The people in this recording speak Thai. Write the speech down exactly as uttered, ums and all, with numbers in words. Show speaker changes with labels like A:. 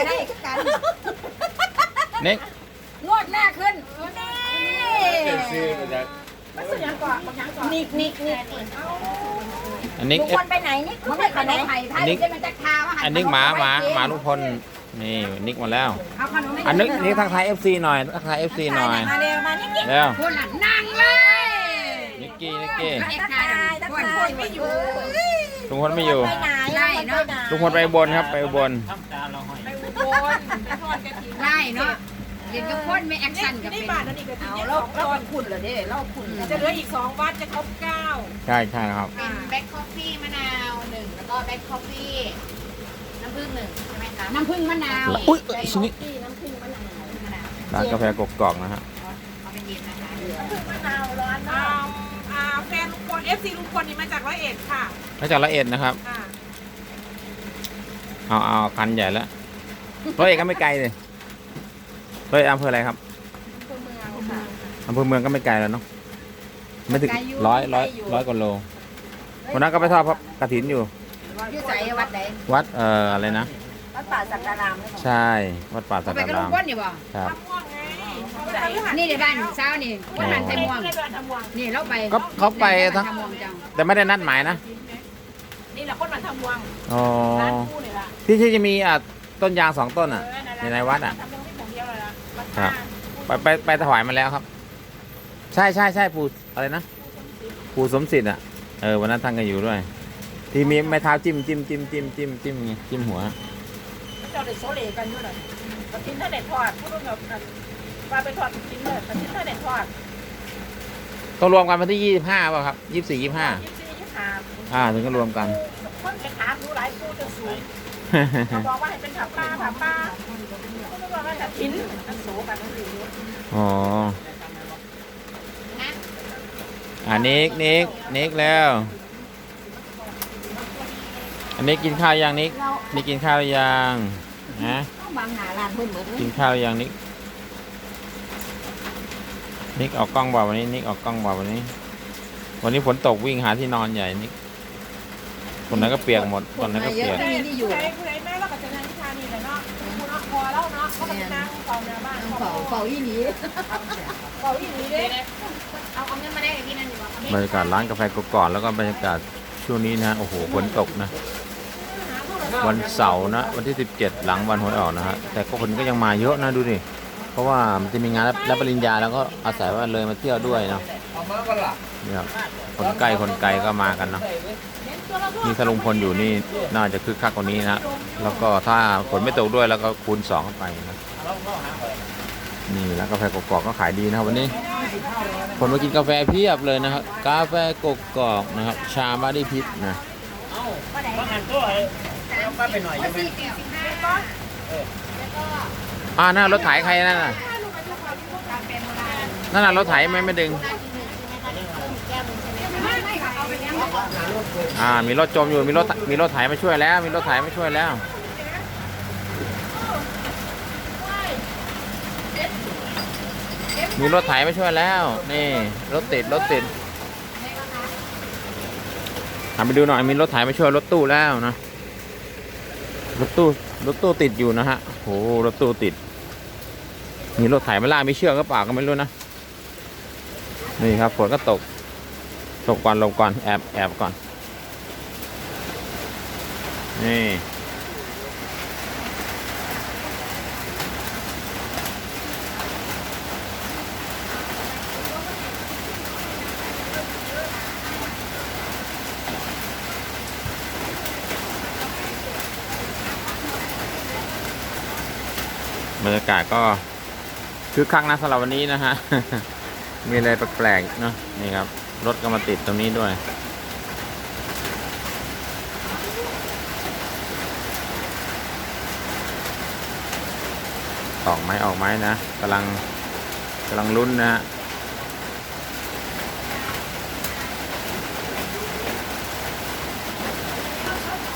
A: ได้กัน
B: นิก
A: งวดหน้าขึ้นนี่
C: ซื้อมาจาก
A: นิกนิกนิก
B: อันนิก
A: ลุงพลไปไหนนิกมันไม่ไปไหนไทยไทยจะมันจะคาว่า
B: อันนิกหมาหมาหมาลุงพลนี่นิกมาแล้ว
A: เอาขนม
B: อันนิกนี่ทักทาย เอฟ ซี หน่อยทักทาย เอฟ ซี หน่อย
A: มาเร็วมานิกนิก
B: เร็ว
A: คนละนั่งเลย
B: นิกกี้นิกกี้
A: ตะกายตะกายไม่อยู่
B: ลุงพลไม่อยู่
A: ไปไหนได้เนาะ
B: ลุงพลไปอุบนครับไปอุบล
A: ได้เนาะเรียนกับคนไม่แอคชั่นกับเป็นเอาเราเราขุ่นเหรอเด้เราขุ่น
D: จะเหลืออีกสองวัดจะครบเก้า
B: ใช่ใช่ครับ
E: เป็นแบ็คคอฟฟี่มะนาวหนึ่งแล้วก็แบ็คคอฟฟี่น้ำผึ้งหนึ่งใช่ไหมคะ
A: น้ำผึ้งมะนาว
B: อุ้ยชิ้นนี้
E: น้ำผึ้งมะนาวมะนาว
B: ร้านกาแฟกกอกนะฮะ
E: เอาเป็นเย็นนะคะ
D: มะนาวร้อนอ่าอ่าแฟนลุงพลเอฟซีลุงพลนี่มาจากร้อยเอ็ดค่ะ
B: มาจากละเอ็ดนะครับ
D: อ่า
B: เอาเอาคันใหญ่แล้วร้อยเอ็ดก็ไม่ไกลเลยร้อยเอ็ดอำเภออะไรครับอำเภอเมืองก็ไม่ไกลแล้วเนาะไม่ถึงร้อยร้อยร้อยกว่าโลวันนั้นก็ไปทอดพระกฐินอยู่
A: อยู่ใจวัดไหน
B: วัดเอ่ออะไรนะ
A: วัดป่าสักการาม
B: ใช่วัดป่าสั
A: เขา
B: ก
A: ไป
B: การ
A: กับลุ
B: ราง ม
A: พลนี่บ่
B: ครับ
D: ทำม่วงไงเขาไปทำ
A: นี่ในบ้านเช้านี่วันนั้นไทยม่วง
D: ไม่ได้ทำม่วง
A: นี่เราไป
B: ก็เขาไปทั้ง
A: ทำม่วงจัง
B: แต่ไม่ได้นัดหมายนะ
D: นี่แหละคนมาทำม่วง
B: อ๋อ
D: ร้านคู่เนี่ยละ
B: ที่ที่จะมีอ่ะต้นยางสองต้นอ่ะ ในในวัดอ่ะ
D: ทำม่วงที่ผมเดียวเลยนะวัด
B: ครับ
D: ท่า
B: ไปไปไปถวายมาแล้วครับ ใช่ใช่ใช่ปู่อะไรนะปู่สมศิษย์อ่ะเออวันนั้นท่านก็อยู่ด้วย ที่มีไม้เท้าจิ้มจิ้มจิ้มจิ้มจิ้มจิ้มไงจิ้มหัว
D: เจ้าเด็กโซเลกันด้วยเลยกระทิ้นถ้าเด็ดทอดพูดแบบว่าไปทอดกระทิ้นเลยกระทิ้นถ้าเด็ดทอด
B: ต้องรวมกันวันที่ยี่สิบห้าป่ะครับยี่สิบสี่ยี่สิบห้า
D: ยี่สิบสี่ยี่สิบห้า
B: อ่าถึงก็รวมกัน
D: คนไปถามดูหลายคู่จะสูงเขาบอกว่าให้เป็นผับป้าผับป้าเขาบอกว่ากระทิ้นมันโสกันนั่นเอง
B: อ๋ออ่านิกนิกนิกแล้ว อันนี้กินข้าวยังนิกนิกกินข้าวหรือยังนะ
A: ต้องบางหนาลานเพิ่นเหมือน
B: กินข้าวหรือยังนิกนิกออกกล้องบ่าวันนี้นิกออกกล้องบ่าวันนี้ วันนี้ฝนตกวิ่งหาที่นอนใหญ่นิกคนนั้นก็เปียกหมดคนนั้นก็เปียก
D: ใครใครแม่เราก็จะนั่งที่ทานีเลยเนาะคุณเอาคอเล่าเนาะก็จะนั่งเฝ้าหน้าบ้าน
A: เฝ้าเฝ้าอีหลี
D: เฝ้าอีนี้เด้
E: เอาเอาเงินมาได้กับพี่นั่นดีกว่า
B: บรรยากาศร้านกาแฟกกอกแล้วก็บรรยากาศช่วงนี้นะโอ้โหฝนตกนะวันเสาร์นะวันที่สิบเจ็ดหลังวันหวยออกนะฮะแต่ก็คนก็ยังมาเยอะนะดูดิเพราะว่ามันจะมีงานรับปริญญาแล้วก็อาศัยว่าเลยมาเที่ยวด้วยเนาะเนี่ยครับคนใกล้คนไกลก็มากันเนาะนี่ถ้าลุงพลอยู่นี่น่าจะคึกคักกว่านี้นะแล้วก็ถ้าฝนไม่ตกด้วยแล้วก็คูณสองเข้าไปนะนี่แล้วกาแฟกกอกก็ขายดีนะครับวันนี้คนมากินกาแฟเพียบเลยนะครับกาแฟกกอกนะครับชามาดิพิษนะอ่านั่นรถไถใครนั่นน่ะนั่นน่ะรถไถไม่ไม่ดึงอ่ามีรถจมอยู่มีรถมีรถไถมาช่วยแล้ว มีรถไถมาช่วยแล้วมีรถไถมาช่วยแล้วนี่รถติดรถติดทำไปดูหน่อยมีรถไถมาช่วยรถตู้แล้วนะรถตู้รถตู้ติดอยู่นะฮะโหรถตู้ติดมีรถไถมาล่าไม่เชือกก็เปล่าก็ไม่รู้นะนี่ครับฝนก็ตกตกก่อนลงก่อนแอบแอบก่อนนี่บรรยากาศก็คึกคักนะสำหรับวันนี้นะฮะ มีอะไรแปลกๆเนาะนี่ครับรถก็มาติดตรงนี้ด้วยออกไหมออกไหมนะกำลังกำลังลุ้นนะฮะ